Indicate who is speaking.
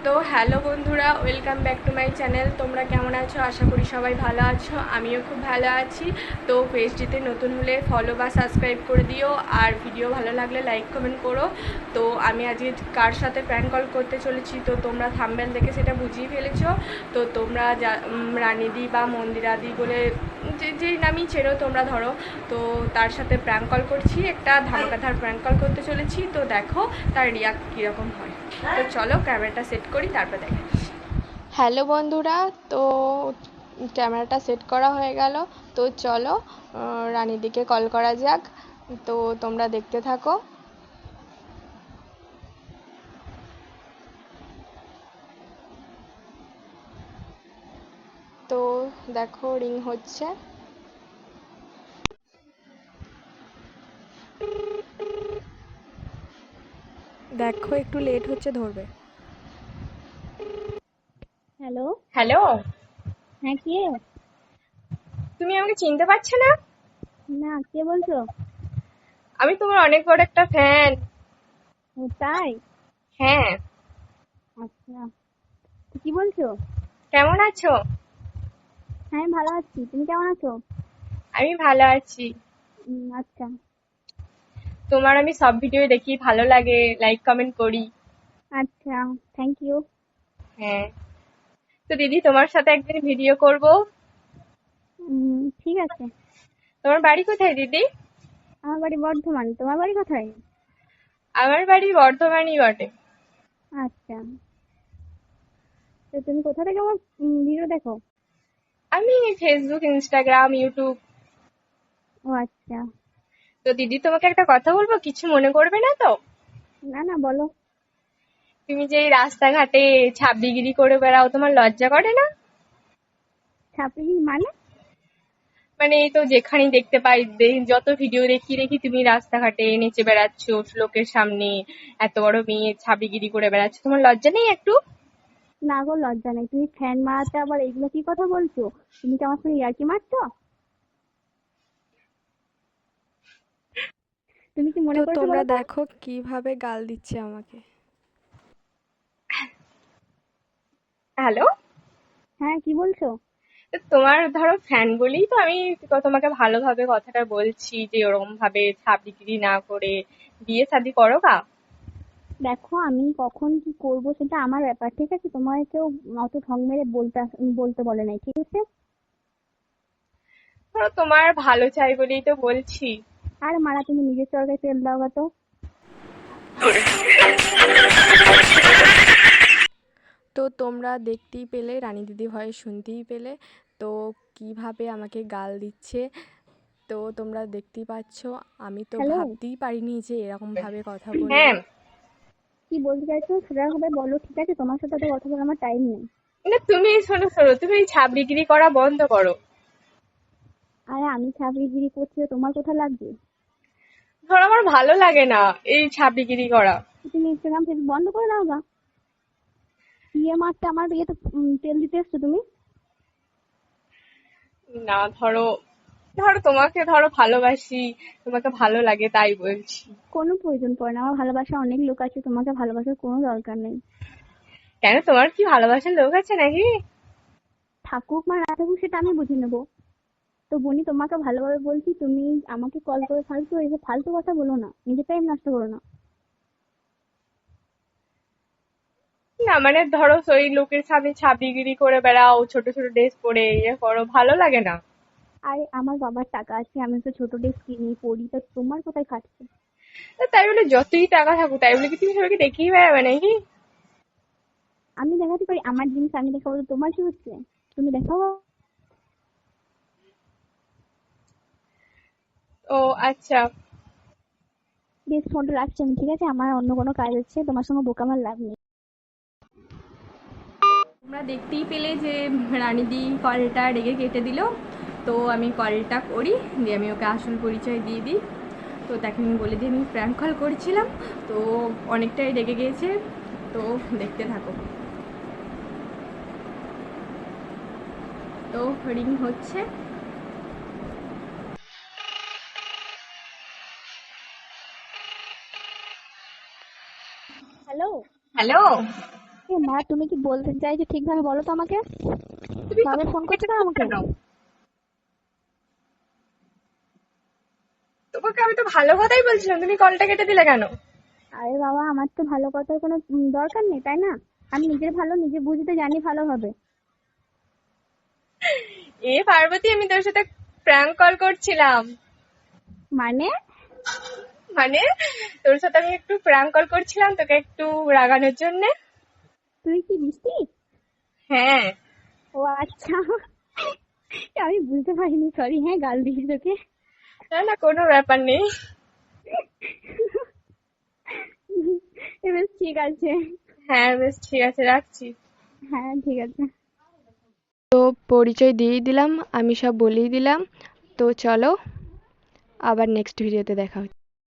Speaker 1: তো হ্যালো বন্ধুরা, welcome back to my channel. তোমরা কেমন আছো? আশা করি সবাই ভালো আছো, আমিও খুব ভালো আছি। তো পেজটিতে নতুন হলে ফলো বা সাবস্ক্রাইব করে দিও, আর ভিডিও ভালো লাগলে লাইক কমেন্ট করো। তো আমি আজকে কার সাথে প্র্যাঙ্ক কল করতে চলেছি তো তোমরা থাম্বনেল দেখে সেটা বুঝিয়ে ফেলেছো। তো তোমরা রানিদি বা মন্দিরাদি বলে যেই নামই চেনো তোমরা ধরো, তো তার সাথে প্র্যাঙ্ক কল করছি, একটা ধামাকাধার প্র্যাঙ্ক কল করতে চলেছি। তো দেখো তার রিয়াক্ট কীরকম হয়। তো চলো ক্যামেরাটা সেট করি, তারপর দেখে। হ্যালো বন্ধুরা, তো ক্যামেরাটা সেট করা হয়ে গেল। তো চলো রানীদিকে কল করা যাক। তো তোমরা দেখতে থাকো। তো দেখো রিং হচ্ছে। দেখো একটু লেট হচ্ছে, ধরবে।
Speaker 2: হ্যালো।
Speaker 1: হ্যালো।
Speaker 2: হ্যাঁ, কে?
Speaker 1: তুমি আমাকে চিনতে পারছো না?
Speaker 2: না, কে বলছো?
Speaker 1: আমি তোমার অনেক বড় একটা ফ্যান।
Speaker 2: ও তাই?
Speaker 1: হ্যাঁ।
Speaker 2: আচ্ছা, তো কি বলছো?
Speaker 1: কেমন আছো?
Speaker 2: হ্যাঁ, আমি ভালো আছি, তুমি কেমন আছো?
Speaker 1: আমি ভালো আছি।
Speaker 2: আচ্ছা।
Speaker 1: তোমার আমি সব ভিডিও দেখি, ভালো লাগে, লাইক কমেন্ট করি।
Speaker 2: আচ্ছা, থ্যাংক ইউ।
Speaker 1: হ্যাঁ। তো দিদি, তোমার সাথে একদিন ভিডিও করব।
Speaker 2: ঠিক আছে।
Speaker 1: তোমার বাড়ি কোথায় দিদি?
Speaker 2: আমার বাড়ি বর্ধমান, তোমার বাড়ি কোথায়?
Speaker 1: আমার বাড়ি বর্ধমানই বটে।
Speaker 2: আচ্ছা, তো তুমি কোথা থেকে আমার ভিডিও দেখো?
Speaker 1: আমি ফেসবুক, ইনস্টাগ্রাম, ইউটিউব।
Speaker 2: ও আচ্ছা।
Speaker 1: তো দিদি, তোমাকে একটা কথা বলবো, কিছু মনে করবে না তো?
Speaker 2: না না, বলো।
Speaker 1: তুমি যে এই রাস্তাঘাটে ছাব্বিগিরি করে বেড়াও, তোমার লজ্জা করে না?
Speaker 2: ছাত্রী মানে?
Speaker 1: মানে এই তো যেখানেই দেখতে পাই, যত ভিডিও দেখি দেখি তুমি রাস্তাঘাটে নেচে বেড়াচ্ছ লোকের সামনে, এত বড় মেয়ে ছাব্বিগিরি করে বেড়াচ্ছ, তোমার লজ্জা নেই একটু?
Speaker 2: না গো, লজ্জা নেই। তুমি ফ্যান মারাতে আবার এগুলো কি কথা বলছো? তুমি কি আমার সঙ্গে ইয়ার্কি মারছো? তুমি কি মনে
Speaker 1: তো
Speaker 2: করেছো
Speaker 1: তোমরা
Speaker 2: বলো তো?
Speaker 1: দেখো কিভাবে গাল দিচ্ছে আমাকে। হ্যালো।
Speaker 2: হ্যাঁ, কি বলছো?
Speaker 1: তোমার ধরো ফ্যান বলেই তো আমি তোমাকে ভালোভাবে কথাটা বলছি, যে ওরকম ভাবে ছাব্বিগিরি না করে বিয়ে শাদী করো গা।
Speaker 2: দেখো, আমি কখন কি করব সেটা আমার ব্যাপার, ঠিক আছে? তোমার কেউ অত ঢং মেরে বলতে বলে নাই, ঠিক আছে?
Speaker 1: ধরো তোমার ভালো চাই বলেই তো বলছি।
Speaker 2: আর মারা, তুমি নিজের চরকায় তেল দাও গা তো।
Speaker 1: তো তোমরা দেখতেই পেলে, রানী দিদি ভয়েস শুনতেই পেলে, তো কিভাবে আমাকে গাল দিচ্ছে। তো তোমরা দেখতেই পাচ্ছ, আমি তো
Speaker 2: হ্যালো।
Speaker 1: ভাবতেই পারিনি যে এরকম ভাবে কথা বলবে।
Speaker 2: হ্যাঁ, কি বলতে চাইছো সেটা ভাবে বলো, ঠিক আছে? তোমার সাথে তো কথা বলার আমার টাইম নেই।
Speaker 1: না, তুমি শোনো শোনো, তুমি এই ছাবড়িগিরি করা বন্ধ করো।
Speaker 2: আরে আমি ছাপড়িগিরি করছি তো তোমার কোথা লাগবে?
Speaker 1: ধরো আমার ভালো লাগে না এই ছাবড়িগিরি করা।
Speaker 2: তুমি ইনস্টাগ্রাম ফেসবুক বন্ধ করে দাও গা। বিয়ে মারতে আমার বিয়েতে তেল দিতে এসছো তুমি?
Speaker 1: না, ধরো ধরো তোমাকে ধরো ভালোবাসি, তোমাকে ভালো লাগে তাই বলছি।
Speaker 2: কোনো প্রয়োজন পড়ে না, আমার ভালোবাসা অনেক লোক আছে, তোমাকে ভালোবাসার কোনো দরকার নেই।
Speaker 1: কেন, তোমার কি ভালোবাসার লোক আছে নাকি?
Speaker 2: থাকুক বা না থাকুক সেটা আমি বুঝে নেবো। তো বনি, তোমাকে ভালোভাবে বলছি, তুমি আমাকে কল করে ফালতু এসে ফালতু কথা বলো না, নিজের টাইম নষ্ট করো না।
Speaker 1: না মানে ধরো ওই লোকের সামনে ছাবড়িগিরি করে বেড়াও, ছোট ছোট ড্রেস পরে ইয়ে করো, ভালো লাগে না?
Speaker 2: আরে আমার বাবার টাকা আছে, আমি তো ছোট ড্রেস কিনি পরি, তো তোমার কোথায় খাচ্ছে?
Speaker 1: তো তাই বলে যতই টাকা থাকুক, তাই বলে কি তুমি সবাইকে দেখিয়ে বেড়াবে নাকি?
Speaker 2: আমি দেখাতে পারি আমার জিনিস, আমি দেখাবো তো তোমার কি হচ্ছে? তুমি দেখাও।
Speaker 1: ও আচ্ছা।
Speaker 2: বেশ, ফোনটা রাখছি আমি, ঠিক আছে? আমার অন্য কোনো কাজ আছে, তোমার সঙ্গে বোকা আমার লাভ নেই। তোমরা দেখতেই পেলে যে রানীদি কলটা রেগে কেটে দিল। তো আমি কলটা করি, দিয়ে আমি ওকে আসল পরিচয় দিয়ে দিই। তো তাকে আমি বলে দিই আমি প্র্যাঙ্ক কল করেছিলাম। তো অনেকটাই রেগে গিয়েছে। তো দেখতে থাকো। তো রিং হচ্ছে। হ্যালো।
Speaker 1: হ্যালো।
Speaker 3: এ মা, তুমি কি বলতে চাইছো ঠিকভাবে বলো তো আমাকে।
Speaker 1: তুমি
Speaker 3: বারবার ফোন করছো কেন আমাকে?
Speaker 1: কেন? তোমাকে আমি তো ভালো কথাই বলছিলাম, তুমি কলটা কেটে দিলে কেন?
Speaker 3: আরে বাবা, আমার তো ভালো কথার কোনো দরকার নেই, তাই না? আমি নিজের ভালো নিজে বুঝতে জানি ভালোভাবে।
Speaker 1: এ পার্বতী, আমি তোর সাথে প্র্যাঙ্ক কল করছিলাম।
Speaker 3: মানে?
Speaker 1: মানে তোর সাথে আমি একটু প্র্যাঙ্ক কল করছিলাম, তোকে একটু রাগানোর জন্য।
Speaker 3: তুই কি বৃষ্টি?
Speaker 1: হ্যাঁ।
Speaker 3: ও আচ্ছা, আমি বুঝতে পারিনি, সরি। হ্যাঁ, গাল দিয়েছি তোকে।
Speaker 1: না না, কোনো ব্যাপার নেই।
Speaker 3: এবার ঠিক আছে।
Speaker 1: হ্যাঁ বেশ, ঠিক আছে, রাখছি।
Speaker 3: হ্যাঁ, ঠিক আছে।
Speaker 1: তো পরিচয় দিয়েই দিলাম, আমি সব বলেই দিলাম। তো চলো, আবার নেক্সট ভিডিওতে দেখা হচ্ছে।